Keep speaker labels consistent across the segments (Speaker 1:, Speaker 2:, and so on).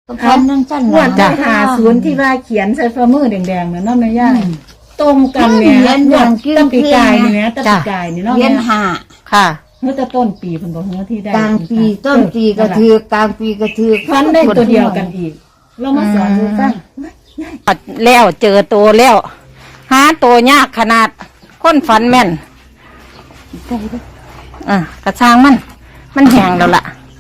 Speaker 1: พันนั่งจันห
Speaker 2: วั
Speaker 1: ลั
Speaker 2: น
Speaker 1: ง
Speaker 2: ที่50ที่ว่าเขียนใส่ฝ่ามือแดงๆน่ะเนาะแม่ย่าตรงกันแม่
Speaker 1: เขียนอย่างกิ้ง
Speaker 2: ตะปีกายนี่
Speaker 1: เขียน
Speaker 2: แม่ตะปีกายนี่เนาะ
Speaker 1: เรีย
Speaker 2: แม่
Speaker 1: นหา
Speaker 3: ค่ะ
Speaker 2: เมื่อแต่ต้นปีเพิ่นบอกเมื่อที่ได้
Speaker 1: กลางปีต้นปีกระถือกลางปีกระถือ
Speaker 2: พันได้ตัวเดียวกันอีกเรามาสอนดูฟัง
Speaker 3: แล้วเจอตัวแล้ว หาตัวยากขนาดคนฝันแม่นกระช่างมันแห้งแล้วล่ะ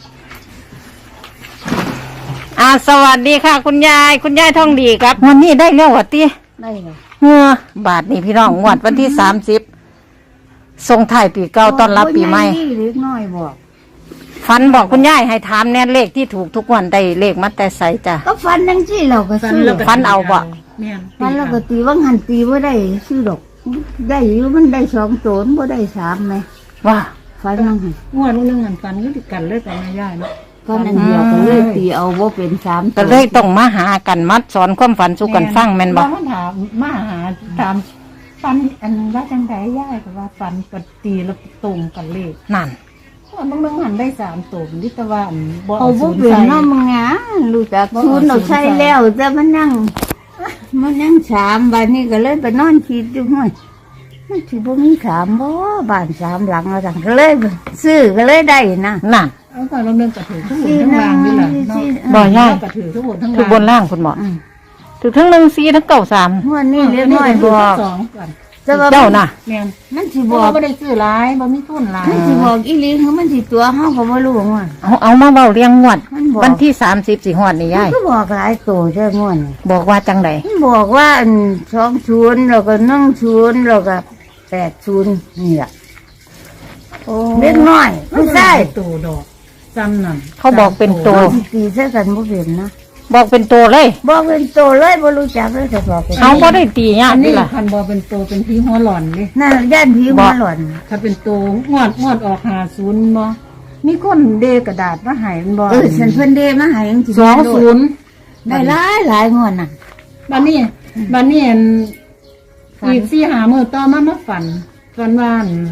Speaker 3: สวัสดีค่ะ คุณยายทองดีครับวันนี้ได้แล้ววะตี
Speaker 1: ได้เลย
Speaker 3: บาทนี่พี่น้องงวดวันที่30ส่งท้ายปีเก่าต้อนรับปีใหม่
Speaker 1: เล็กน้อยบอก
Speaker 3: ฝันบอกคุณยายให้ถามแน่เลขที่ถูกทุกวันได้เลขมาแต่ใสจ้ะ
Speaker 1: ก็ฟันนั่งที่เราก็ซื้อ
Speaker 2: แล้วก็
Speaker 3: ฟันเอาบ่
Speaker 2: แม่น
Speaker 1: ฟันเราก็ตีว่าหันตีว่าได้ซื้อดอกได้อยู่มันได้2โจนบ่ได้3ไหม
Speaker 3: ว่า
Speaker 1: ฟันนั่ง
Speaker 2: งวดนึงหันฟันอยู่ติดกันเลยกับแม่ย่าเนาะ
Speaker 1: ฟันอันเดียวก็เลยตีเอาว่าเป็น3
Speaker 3: ก็เลยต้องมาหากันมัดสอนความฝันสู่กันฟังแม่นบ่
Speaker 2: เราถามมาหาถามฟันอันว่าจังไดย่ายก็ว่าฟันก็ตีแล้วตรงกันเลข
Speaker 3: นั่น
Speaker 2: บางนึงหันได้3ตัวนี่แต่ว่าบ่
Speaker 1: เอา
Speaker 2: ศู
Speaker 1: บ่
Speaker 2: นย์
Speaker 1: เป็น
Speaker 2: ใส่
Speaker 1: เนาะมึงอ่ะรู้จักศูนย์เราใช้แล้วแต่มันนั่ง3บัดนี้ก็เลยไปนอนคิดอยู่ห้วยมันสิบ่มี3บ่บ้าน3หลังแล้วจังก็เลยซื้อก็เลยได้นะ
Speaker 3: นั่น
Speaker 2: เอาก็เราเรื่องกระถือทั้งหมดทั้งรางนี่แหละเนาะ
Speaker 3: บ่ยาย
Speaker 2: กระถือทั้งหมดทั้ง
Speaker 3: คื
Speaker 2: รา
Speaker 3: อง บนล่างคุณหมอถูกทั้ง1 4ทั้ง9
Speaker 1: งวดนี้เล็กน้อยบอก
Speaker 2: สองก่อน
Speaker 1: แต่ว่า
Speaker 3: 3เจ้าน่ะ
Speaker 2: แม่น
Speaker 1: มันสิ
Speaker 2: บบ อ
Speaker 1: อก ก
Speaker 2: บ่ได้ซื้อหลายบ่มีทุนหลาย
Speaker 1: มันสิบอกอีหลีคือมันสิตัวเฮาก็บ่รู้ว่า
Speaker 3: เอามาเบาเรียงงวด
Speaker 1: มันบอก
Speaker 3: วันที่30สิฮอดนี่ยาย
Speaker 1: ก็บอกหลายตัวเด้องวดนี่
Speaker 3: บอกว่าจังได
Speaker 1: มันบอกว่าอัน20แล้วก็10แล้วก็80นี่ล่ะเล็กน้อยผู้ชาย
Speaker 2: ตัวดอกจำนั่น
Speaker 3: เขาบอกเป็นตัว
Speaker 1: สิตีใส่กันบ่เป็นนะ
Speaker 3: บอกเป็นตัวเลย
Speaker 1: บอกเป็นตัวเลยบ่รู้จักเลยแต่บอกเป็น
Speaker 3: เอาบ่ได้ตียา
Speaker 2: อั
Speaker 3: ก
Speaker 2: น
Speaker 3: นี่
Speaker 2: นี้
Speaker 3: ล่ะ
Speaker 2: คันบ่เป็นตัวเป็นพี่หัวหล่อนเด้
Speaker 1: น่าย่านผีหัวหล่อน
Speaker 2: ถ้าเป็นตัวงวดออก50บ่มีคนเดกระดาษมาให้มันบ่
Speaker 1: ฉันเพิ่นเดมาให้จังซี่
Speaker 2: 20
Speaker 1: ได้หลายงวดน่ะ
Speaker 2: บัดนี้อันอีก4-5มื้อต่อมาฝันว่า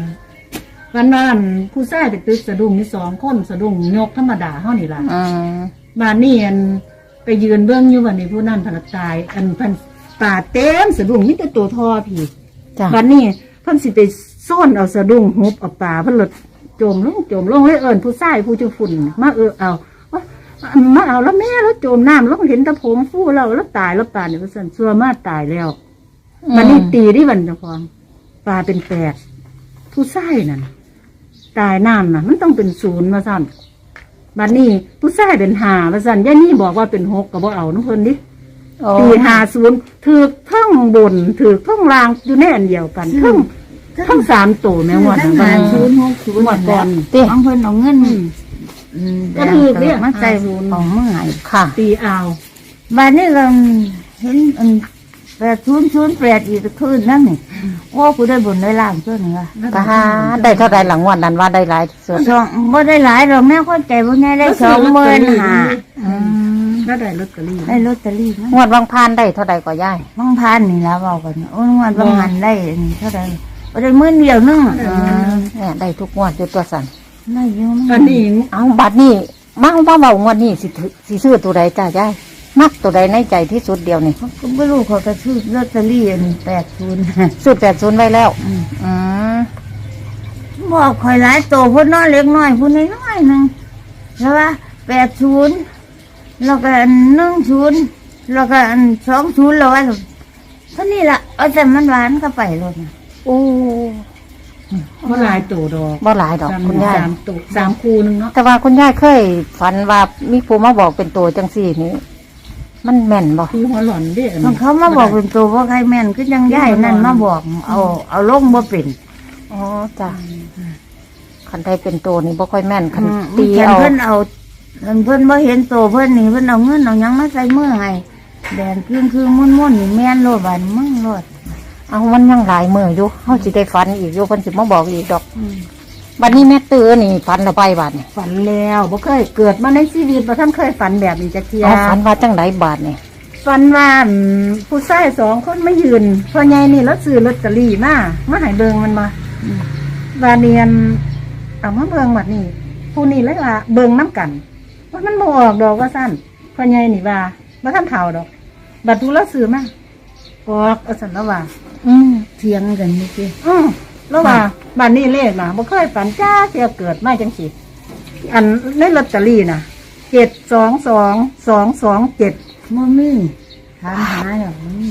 Speaker 2: ผู้ชายไปตึกสะดุ้งมี2คนสะดุ้งยกธรรมดาเฮานี่ล่ะ บ้านนี่อันไปยืนเบื้องอยู่วันนี้ผู้นั่นพนักตายอันพันป่าเต็มสะดุ้งมีแต่ตัวทอพี่
Speaker 3: จ้ะ
Speaker 2: บ้านนี้เพิ่นสิไปซ่อนเอาสะดุ้งฮุบเอาป่าเพิ่นหลดโจมลงให้เอิ้นผู้ชายผู้จุฝุ่นมาเอาว่ามาเอาแล้วแม่แล้วโจมน้ำแล้วเห็นแตะผมฟู่แล้วตายแล้วป่าเนี่ยเพิ่นซัวมาตายแล้วบ้านนี้ตีที่วันเจ้าของป่าเป็น8ผู้ชายนั่นตายน้ำน่ะมันต้องเป็น0มาสั่นบัดนี้ผู้ชายเป็น5ว่าซั่นย่านี่บอกว่าเป็น6ก็บ่เอาน้ำเพิ่นดิตี50ถูกทั้งบนถูกทั้งล่างอยู่ในอันเดียวกันทั้ง3ตัวแม่งวด
Speaker 1: ทั้ง
Speaker 2: นั้น
Speaker 1: 50 60
Speaker 2: งวดก่อน
Speaker 1: ของเพิ่นเอาเงิน
Speaker 2: ก็ถูกเรียก
Speaker 1: มาใส่ของเมื่อไหร่
Speaker 3: ค่ะ
Speaker 2: ตีเอา
Speaker 1: บ้านนี้ก็เห็น8008อีกคืนนั่นนี่โอ้ผู้ได้บุญได้ล่างตัวนี้ว่า
Speaker 3: ก็หาได้เท่าใดหลังวันนั้นว่าได้หลายที่สุด
Speaker 1: สองบ่ได้หลายดอกแม่คนใจบ่ใหญ่ได้25,000
Speaker 2: แล้วได้ลอตเตอรี่
Speaker 1: ได้ลอตเตอรี่
Speaker 3: งวดวังพานได้เท่าใดก็ย่าย
Speaker 1: บางพันนี่แล้วเว้ากันโอ้งวดบางหันได้นี่เท่าใดบ่ได้มื้อเดียวนึง
Speaker 3: เนี่ยได้ทุกงวดอยู่ตัวสั่น
Speaker 1: ได้อยู่
Speaker 2: อันนี้
Speaker 3: เอาบัดนี้มาเบางวดนี้สิซื้อตัวใดจ้ายายมักตัวใดในใจที่สุดเดียวนี่
Speaker 1: ก็ไม่รู้เขาก็ซื้อลอตเตอรี่อัน80
Speaker 3: ซื้อ80ไว้แล้วอืม
Speaker 1: บอกข่อยหลายโตพุ่นน้อยเล็กน้อยพุ่นน้อยๆนึงแล้วว่า80แล้วก็อัน10แล้วก็อัน20แล้วว่าเท่านี้ล่ะเอาแต่มันหวานก็ไปเลยนะ
Speaker 3: โอ้
Speaker 2: บ่หลายตัวดอก
Speaker 3: บ่หลายดอกคุณยาย
Speaker 2: 3ตัว3คู่นึงเนาะ
Speaker 3: แต่ว่าคุณยายเคยฝันว่ามีผู้มาบอกเป็นตัวจังซี่นี่มันแม่นบ่
Speaker 2: พี่หัวหล่อนเด้
Speaker 1: มันเขามาบอกเป็นตัวว่าใครแม่นก็ยังย่ายนั่นมาบอกเอาลงบ่เป็น
Speaker 3: อ๋อจ้ะคันใดเป็นตัวนี่บ่ค่อยแม่นคันตี
Speaker 1: ตี
Speaker 3: เอา
Speaker 1: เพิ่นเอาเพิ่นบ่เห็นตัวเพิ่นนี่เพิ่นเอาเงินเอาหยังมาใส่มือให้แดงคือมุ่นๆนี่แม่นโลดบานมึงโลด
Speaker 3: เอามันยังหลายมืออยู่เฮาสิได้ฝันอีกอยู่เพิ่นสิมาบอกอีกดอกบัดนี้แม่ตื้อนี่ฝันและไปบัดนี่
Speaker 2: ฝันแล้วบ่เคยเกิดมาในชีวิตบ่ทันเคยฝันแบบนี้จักเที่ย
Speaker 3: เอาฝันว่าจังไดบาดนี่
Speaker 2: ฝันว่าผู้ชาย2คนมายืนพ่อใหญ่นี่แล้วซื้อลอตเตอรี่มาให้เบิ่งมันมาว่าเนียนเอามาเบิ่งบัดนี้ผู้นี้เลยว่าเบิ่งนํกันว่ามันบ่ออกดอกว่าซั่นพ่อใหญ่นี่ว่าบ่ทันเฒ่าดอกบัดดูแลซื้อมาออกเอาซั่นแล้วว่า
Speaker 1: เถียงกันนี่สิ
Speaker 2: แล้วว่าบ้านนี้เลขนะบ่เคยฝันจ้าเสียเกิดมาจังสิอันในลอตเตอรี่นะ722 227
Speaker 1: บ่มีถามหาแล้วบ่มี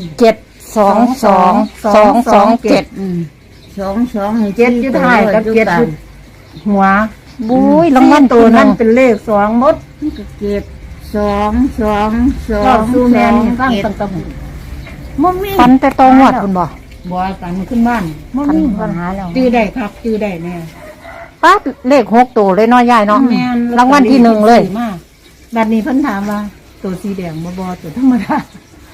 Speaker 3: 722
Speaker 1: 22ให้
Speaker 2: เจ็ดอยู่ท้ายกับเจ็ดอยู่หัว
Speaker 3: บุ้ยรางวัล
Speaker 2: ตั
Speaker 3: ตัว ว
Speaker 2: นั้
Speaker 3: นั้น น
Speaker 2: เป็นเลข2หมด
Speaker 1: ก็เจ็ดสองสองสอ
Speaker 2: ก็
Speaker 1: ง
Speaker 2: สู้แม่นี่ฟัง
Speaker 1: เจ็ด
Speaker 2: ตั้งแต่
Speaker 1: บ่มี
Speaker 3: ฟันแต่ตองวดคุณบ่
Speaker 2: บ่ฝันขึ้นบ้าน
Speaker 1: บ่มีปัญหาแล้ว
Speaker 2: จื้อได้ครับจื้อได้แน่
Speaker 3: ป้าดเลข6ตัวเลยเนาะยายเนาะ
Speaker 2: แม่น
Speaker 3: รางวัลที่หนึ่งเลย
Speaker 2: มากบัดนี้เพิ่นถามว่าตัวสีแดงบ่ตัวธรรมดา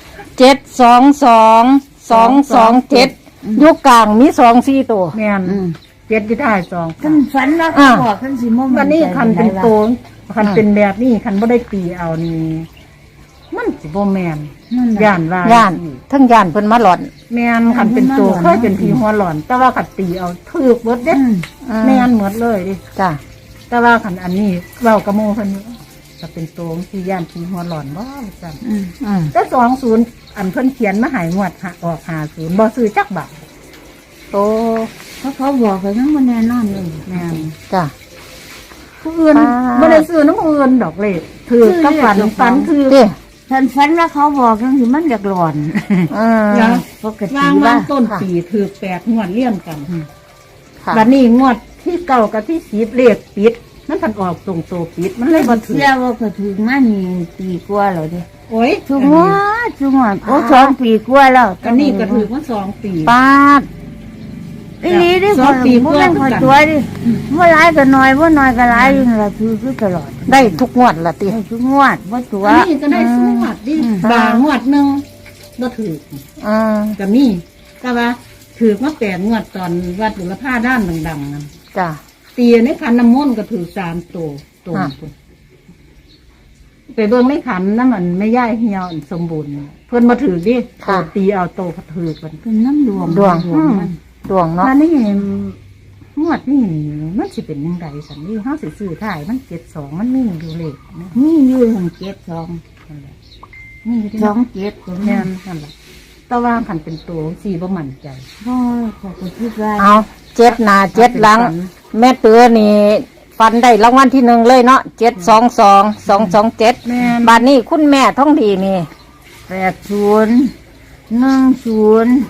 Speaker 3: 722 227ยุคกลางมี2-4ตัว
Speaker 2: แม่นเจ็ดอยู่ท้าย2
Speaker 1: คันฝันว่าเขาบอกคันสิบ่
Speaker 2: วันนี้คันเป็นโตนคันเป็นแบบนี้คันบ่ได้ตีเอานี่มันสิบ่แม่นย่านว่า
Speaker 3: ย่านทั้งย่านเพิ่นมาหลอน
Speaker 2: แม่นคันเป็นโตเคยเป็นผีหัวหลอน แต่ว่าคันตีเอาถูกเบิดเด้แม่นหมดเลยดิ
Speaker 3: จ้ะ
Speaker 2: แต่ว่าคันอันนี้เว้ากระโมเพิ่นนี่ก็เป็นโตมที่ย่านผีหัวหลอนบ่ซั่น แต่20อันเพิ่นเขียนมาใหายงวดออก50บ่ซื้อจักบาท
Speaker 3: โต
Speaker 1: เขาบอกกันยังบ่แน่นอนเลย
Speaker 2: แม่น
Speaker 3: จ้ะ
Speaker 2: ผู้อื่น
Speaker 3: อ่า
Speaker 2: บ่ได้ซื้อน้ำผู้อื่นดอกเลยถือกับฝันคือ
Speaker 3: เด้
Speaker 1: คันฝันว่าเขาบอกจังสิมันอยากหลอน
Speaker 2: แล้ว
Speaker 1: ปกติ
Speaker 2: วาง
Speaker 1: ว่า
Speaker 2: ต้นปีถือ8งวดเลี่ยมกัน
Speaker 3: ค่ะ
Speaker 2: บัดนี้งวดที่เก่ากับที่10เลขปิดมันพันออกตรงโตปิดมันเลยบ่ถือ
Speaker 1: เชื่อว่าก็ถึงมานี่ปีกว่าแล้วเด้
Speaker 2: โอ้ย
Speaker 1: จุงว่าจุงว่าโอ้2 ปีกว่าแล้ว
Speaker 2: อันนี้ก็ถือว่า2 ปี
Speaker 3: ป้าด
Speaker 1: อีหลีดิ
Speaker 2: สองปี
Speaker 1: บ่แม่น
Speaker 2: กว่า
Speaker 1: คอยตัวดิบ่หลายก็น้อยบ่น้อยก็หลายอยู่นั่นล่ะคือตลอด
Speaker 3: ได้ทุกงวดละติ
Speaker 1: ให้ทุกงวดบ่ตัว
Speaker 2: อันนี้ก็ได้สู้งวดดิบางงวดหนึงบ่ถือ
Speaker 3: อืม
Speaker 2: ก็มีแต่ว่าถือมา8งวดตอนวัดบุรพาด้านดังๆนั่น
Speaker 3: จ้ะ
Speaker 2: ตีในขันน้ำมนต์ก็ถือ3ตัวตัว
Speaker 3: อ่ะ
Speaker 2: พุ่นไปเบิ่งในขันนั่นมันไม่ย่ายเหี่ยวอันสมบูรณ์เพิ่นมาถือดิตัวตีเอาโตวถือกัน
Speaker 1: เป็นน้ำดวง
Speaker 3: ดวง
Speaker 1: มัน
Speaker 3: ดวงเนาะ
Speaker 2: อันนี้งวดนี่มันสิเป็นยังไงสันนี่เฮาสิซื้อถ่ายมัน72มันมีอยู่เลขนะ
Speaker 1: มีอยู่ทาง72
Speaker 2: นั่นแหละมีอยู่ที่
Speaker 1: 27ก็
Speaker 2: แม่
Speaker 1: แม่
Speaker 2: นนั่นแหละแต่ว่าคันเป็นตัวสีบ่มั่นใจ
Speaker 1: บ่ขอยก็คิดว่า
Speaker 3: เอา7หน้า7หลัง แม่เตือนี่ฟันได้รางวัลที่1เลยเนาะ722 227
Speaker 2: แม่น
Speaker 3: บัดนี้คุณแม่ท่องดีนี่
Speaker 1: 80 10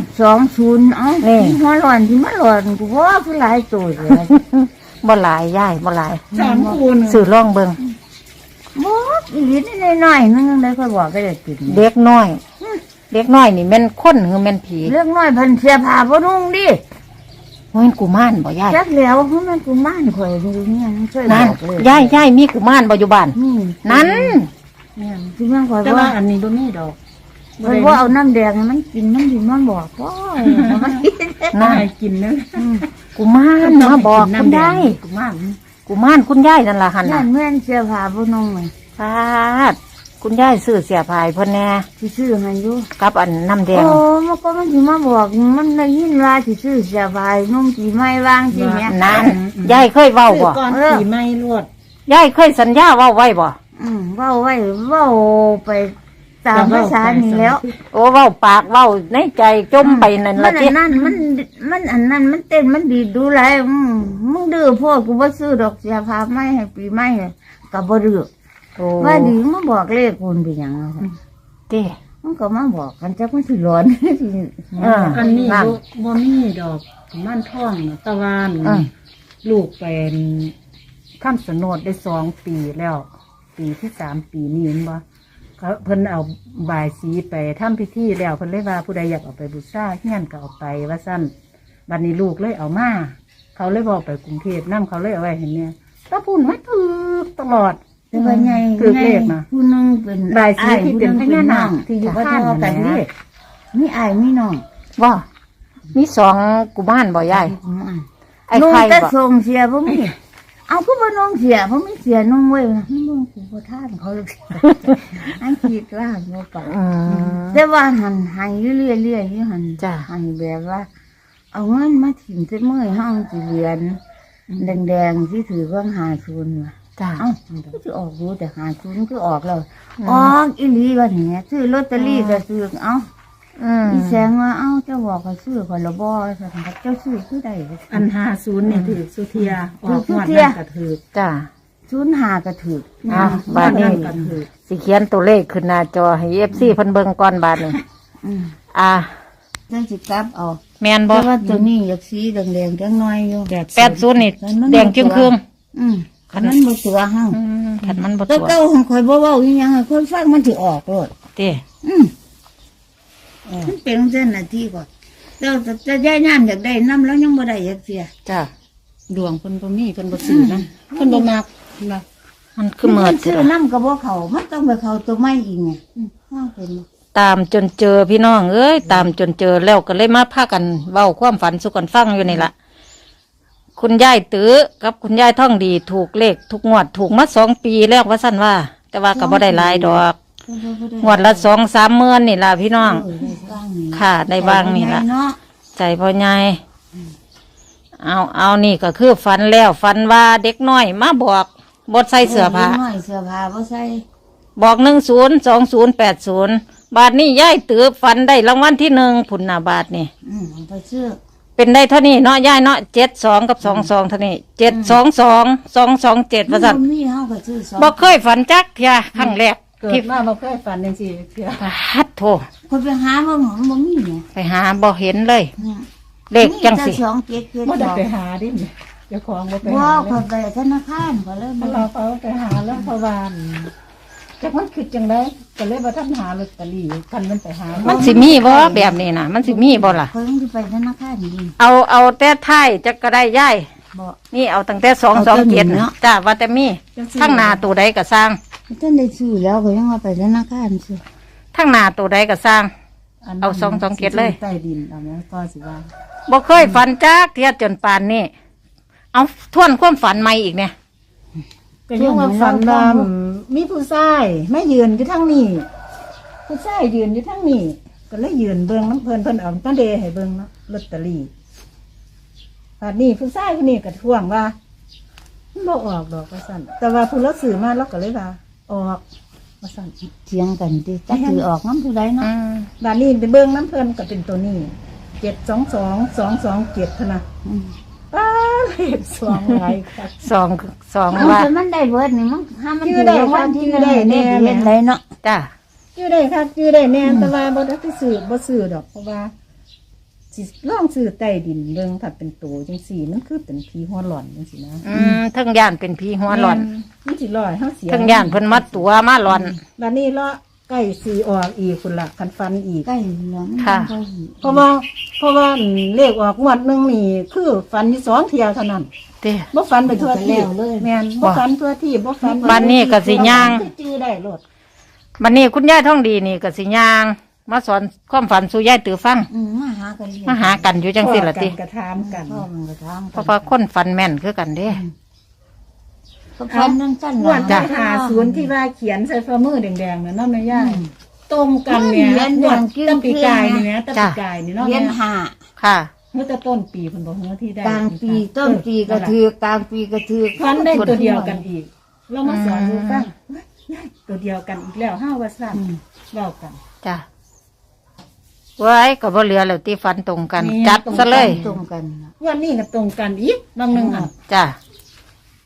Speaker 1: 20เอ้า
Speaker 3: นี่
Speaker 1: ที่หัวร้อนที่มาร้อนกูว่าคือหลายตัวเลย
Speaker 3: บ่หลายย่ายบ่หลาย
Speaker 2: 3คูณ
Speaker 3: สื่อร่องเบิง
Speaker 1: บอกอีหลีนี่น้อยๆนึงได้ค่อยบอกก็ได้กิน
Speaker 3: เด็กน้อย เด็กน้อยนี่แม่นคนหรือแม่นผี
Speaker 1: เรื่องน้อยเพิ่นเสียผ้าบ่นุ่งดิ
Speaker 3: ว่าเป็นกุมารบ่ย่าย
Speaker 1: จักแล้วเพราะมันกูม่านข่อยอยู่เนี่ยมันช่วยบ
Speaker 3: นั่น
Speaker 1: อกเลย
Speaker 3: ย่ายมีกุมารบ่อยู่บ้าน
Speaker 1: นี่
Speaker 3: นั้น
Speaker 2: แม่น
Speaker 1: ที่มันข่อย
Speaker 2: แต่
Speaker 1: ว่า
Speaker 2: ว่าอันนี้บ่มีดอก
Speaker 1: ข่อยว่าเอาน้ำแดงให้มันกินมันสิมันบอกพ่อมันกิน
Speaker 2: น่ากินนะ
Speaker 3: กุมารมาบอกคุณยาย
Speaker 2: กุมาร
Speaker 3: กุมารคุณยายนั่นล่ะหั่น
Speaker 1: นั่
Speaker 3: น่ะ
Speaker 1: นแม่นเสียผ้าบ่นุ่งเลย
Speaker 3: ฟาดคุณยายซื้อเสียพายเพิ่นแน่
Speaker 1: สิซื้อให้อยู่
Speaker 3: กับอันน้ำแดง
Speaker 1: โอ้มันก็มันสิมาบอกมันได้ยินว่าสิซื้อเสียผ้านุ่งสิไม่วางสิแม่
Speaker 3: นั่นยายเคยเว้าบ่
Speaker 2: ก่อนสีไม้ลวด
Speaker 3: ยายเคยสัญญาเว้าไว้บ่
Speaker 1: เว้าไว้เว้าไปตามภาษานี่แล้ว
Speaker 3: โอ้เว้าปากเว้าในใจจมไปนั่น
Speaker 1: มั
Speaker 3: ล่ะ
Speaker 1: น
Speaker 3: ติ
Speaker 1: อันนั้นมันอันนั้นมันเต้นมันดีดดูไรมึงดื้อพวกกูบ่ซื้อดอกเสียพาไม่ให้ปีไม่กับบ่ดื้อ
Speaker 3: โอ้
Speaker 1: ว่าดีมาบอกเลขคนเป็นหยังอะค่ะ
Speaker 3: เด้
Speaker 1: มันก็มาบอกกันจักมันสิร้อน สิ
Speaker 2: อันนี้
Speaker 3: นั่น
Speaker 2: บ่มีดอกม่านท่องน่ะตะวัน
Speaker 3: อืม
Speaker 2: ลูกเป็นข้ามสนดได้2 ปีแล้ว ปีที่3 ปีนี้เห็นบ่เขาเพิ่นเอาบายสีไปทำพิธีแล้วเพิ่นเลยว่าผู้ใดอยากเอาไปบูชาเฮียนก็เอาไปว่าซั่นบัดนี้ลูกเลยเอามาเขาเลยบอกไปกรุงเทพนํเขาเลยเอาไว้เห็นเนี่ยตาพุ่นมาถือตลอด
Speaker 1: แต่ว่าใหญ่
Speaker 2: ถือเลขนะ
Speaker 1: ผู้หนึงเป็น
Speaker 2: บายสีที่เป็นพญานา
Speaker 1: อ้
Speaker 2: คที่อยู่ข้างกันนี่
Speaker 1: มีอ้ายมีน้อง
Speaker 3: ว่ามี2กุมารบ่ยายไอ้
Speaker 1: นุ่ง
Speaker 3: ไข่
Speaker 1: แต่
Speaker 3: บ่
Speaker 1: ทรงเสียบ่มีเอาก็บ่นุ่งเสียบ่มีเสียนุ่งไว้นะมึงกูบ่ท่านเขาเลยอันคิดว่าบ่ปาก
Speaker 3: อืม
Speaker 1: แต่ว่าหันให้เรื่อยๆอยู่หัน
Speaker 3: จ้ะ
Speaker 1: ให้แบบว่า เอาเงินมาถิ่มใส่มือห้องสิเหรียญแดงๆที่ถือว่าง50ว่ะ
Speaker 3: จ้า
Speaker 1: เอ้าคือออกรู้แต่หาศูนย์คือออกแล้วออกอีหลีว่าอย่างเงี้ยซื้อลอตเตอรี่ก็ซื้อเอ้าอีแสงว่าเอ้าเจ้าบอกก็ซื้อคนละบ่สั่นครับเจ้าซื้อคือได้
Speaker 2: อัน50นี่ถือสุเทียออก
Speaker 1: ถื
Speaker 2: ง
Speaker 1: อ
Speaker 2: วด
Speaker 1: สุเทีย
Speaker 2: นั้นก็ถือ
Speaker 3: จ้า
Speaker 1: 05ก็ถูก
Speaker 3: อ่ะบาดนี้
Speaker 2: ก็ถือ
Speaker 3: สิเขียนตัวเลขขึ้นหน้าจอให้ FC เพิ่นเบิ่งก่อนบาดนี้
Speaker 1: อืม
Speaker 3: อ่ะ
Speaker 1: จังสิกลับเอา
Speaker 3: แม่นบ่
Speaker 1: แต่ว่าตัวนี้อยากสีแดงๆจังน้อยอยู่
Speaker 3: 80นี่แดงจึงครึ่ง
Speaker 1: คันมันบ่ตัวเฮา
Speaker 3: คันมันบ่
Speaker 1: แล้
Speaker 3: ตัว ว
Speaker 1: เก่าของข่อยบ่เว้าอีหยังให้คนฟังมันสิออกโลด
Speaker 3: ติ
Speaker 1: มันเป็นเส้นนาทีก่อนเราจะย้ายน้ำอยากได้น้ำแล้วยังบ่ได้อยากเสีย
Speaker 3: จ้า
Speaker 2: ดวงเพิ่นบ่มีเพิ่นบ่ซื้อนะเพิ่นบ่มักนะ
Speaker 3: มันคือเหมือด
Speaker 1: ซื้อน้ำกับบ่เขามันต้องไปเขาตัวไม้อีกไงห้าเป็น
Speaker 3: ตามจนเจอพี่น้องเอ้ยตามจนเจอแล้วก็เลยมาพากันเว้าความฝันสู่กันฟังอยู่นี่ล่ะคุณยายตื้อกับคุณยายท่องดีถูกเลขทุกงวดถูกมา2 ปีแล้วว่าซั่นว่า แต่ว่าก็บ่ได้หลายดอกงวดละ2-3 หมื่นนี่ล่ะพี่น้อง ค่ะได้บ้างนี่ล่ะ
Speaker 1: เนาะ
Speaker 3: ใจพ่อใหญ่เอานี่ก็คือฝันแล้วฝันว่าเด็กน้อยมาบอกบดใส่เสื้อผ้า
Speaker 1: น้อยเสื้อผ้าบ่ใส่
Speaker 3: บอก102080บาทนี่ย่ายตือฝันได้รางวัลที่1ผุนหนาบาทนี่
Speaker 1: เอาไปซื้อ
Speaker 3: เป็นได้เท่านี้เนาะย่ายเนาะ72กับ22เท่านี้722 227ว่าซั่น
Speaker 1: บ่มีเฮาก็ซื้อสอง
Speaker 3: บ่เคยฝันจักเที่ยครั้งแรก
Speaker 2: เกิด
Speaker 3: ที่
Speaker 2: มาบ่เคยฝันจังซี่เทื่อ
Speaker 3: ฮัดโท
Speaker 1: คนไปหาบ่หมบ่มีไง
Speaker 3: ไปหาบ่เห็นเลย เลขจังสิ
Speaker 1: มีแต่2 7 7
Speaker 2: บ่ได้
Speaker 1: บอก
Speaker 2: ไปหาดิเจ้าของบ่ไป
Speaker 1: บ่
Speaker 2: หา
Speaker 1: เขาไปธนาคารก็เลย
Speaker 2: เพ
Speaker 1: บ่
Speaker 2: ราะเราเขาไปหาแล้วเพราะว่าจักมันคือจังได๋ก็เลยบ่ทันหาลอตเตอรี่คันมันไปหา
Speaker 3: มันสิมีบ่แบบนี้น่ะ มันสิมีบ่ล่ะ
Speaker 1: เขาต้องไปธนาคารนี่
Speaker 3: เอาแต่ท้ายจักก็ได้ย่าย
Speaker 1: บ่
Speaker 3: นี่เอาตั้งแต่227
Speaker 1: เนาะ
Speaker 3: จ้าว่าแต่มีทั้งหน้าตัวใดก็สร้าง
Speaker 1: ท่านได้ซื้อแล้วก็ยังเอาไปธนาคารซื้อ
Speaker 3: ทั้งหน้าตัวใดก็สร้าง
Speaker 2: นนั้น
Speaker 3: เอา227เลย
Speaker 2: ใต้ดินเอาแม่ก็สิว่า
Speaker 3: บ่เคยฝันจักเทียจนป่านนี้เอาทวนความฝันใหม่อีกเนี่ย
Speaker 2: ก็ยังว่าฝันว่ามีผู้ชายไม่ยืนอยู่ทางนี้ผู้ชายยืนอยู่ทางนี้ก็เลยยืนเบิ่งน้ำเพิ่นเอาตั้งเดให้เบิ่งเนาะลอตเตอรี่ป่านนี้ผู้ชายคนนี้ก็ทวงว่ามันบ่ออกดอกว่าซั่นแต่ว่าผู้เราซื้อมาเราก็เลยว่าออกว่าซั่น
Speaker 1: เถียงกันดิจักถือออกน้ำผู้ใดเนาะ
Speaker 2: บ้านนี้ไปเบิ่งน้ำเพิ่นก็เป็นตัวนี้722 227เท่านั้น ป้าเลขสองหลายครับ
Speaker 3: สอง
Speaker 1: มัน
Speaker 3: ว่า
Speaker 1: จะมันได้เบิดนี่มันห้ามัน
Speaker 2: ชื่อได้
Speaker 1: รางวัลที่
Speaker 2: ชื่อได้แน่
Speaker 1: เห็นไรเนาะ
Speaker 3: จ้า
Speaker 2: ชื่อได้ครับชื่อได้แน่แต่ว่าบ่ได้ไปซื้อบ่ซื้อดอกเพราะว่าสิลองซื้อใต้ดินเบิ่งถ้าเป็นตัวจังซี่มันคือเป็นผีหัวหล่อนจังซี่นะ
Speaker 3: ทั้งย่านเป็นผีหัวหลอน
Speaker 2: มันสิลอยเฮาเสีย
Speaker 3: ทั้งย่านเพิ่นมัดตัวมาหลอน
Speaker 2: บัดนี้เลาะใกล้สิออกอีกพุ่นล่ะคันฟันอีก
Speaker 1: ใกล้แล้วมัน
Speaker 3: ค่ะ
Speaker 1: ใกล้
Speaker 2: เพราะว่าเลขออกงวดหนึงนี่คือฟันอยู่2เที่ยวเท่านั้น
Speaker 3: เด้
Speaker 2: บ่ฟันไปทั่วที่แม่นบ่ฟันทั่วที่บ่ฟัน
Speaker 3: บ้านนี้ก็สิย่าง
Speaker 2: จื้อได้โลด
Speaker 3: บัดนี้คุณยายท่องดีนี่ก็สิย่างมาสอนความฝันสู่ยายตือฟัง
Speaker 1: มาหากันเรียน
Speaker 3: มาหากันอยู่จังซี่ล่ะติ
Speaker 2: กระทามกัน
Speaker 1: พ่อมันก็ทำ
Speaker 3: เพราะว่าคนฝันแม่นคือกันเด้
Speaker 1: ก็พันนั่งสั้น
Speaker 2: งวดที่50ที่ว่าเขียนใส่ฝ่ามือแดงๆน่ะเนาะแม่ย่าตรงกันแม่งวดตะปีกายนี่แม่ตะปีกายนี่เนาะ
Speaker 1: เรียนหา
Speaker 3: ค่ะ
Speaker 2: เมื่อต้นปีเพิ่นบอกเมื่อที่ได้
Speaker 1: กลางปีต้นปีก็ถือกลางปีก็ถือ
Speaker 2: ฟันได้ตัวเดียวกันอีก เรามาสอนดูฟังตัวเดียวกันอีกแล้ว5ว่าซั่นเว้ากัน
Speaker 3: จ้าไว้ก็บ่เหลือแล้วที่ฝันตรงกัน
Speaker 2: นี่
Speaker 3: จัดซะเลย
Speaker 1: ตรงกัน
Speaker 2: วันนี้ก็ตรงกันอีกบางนึงอ่ะ
Speaker 3: จ้า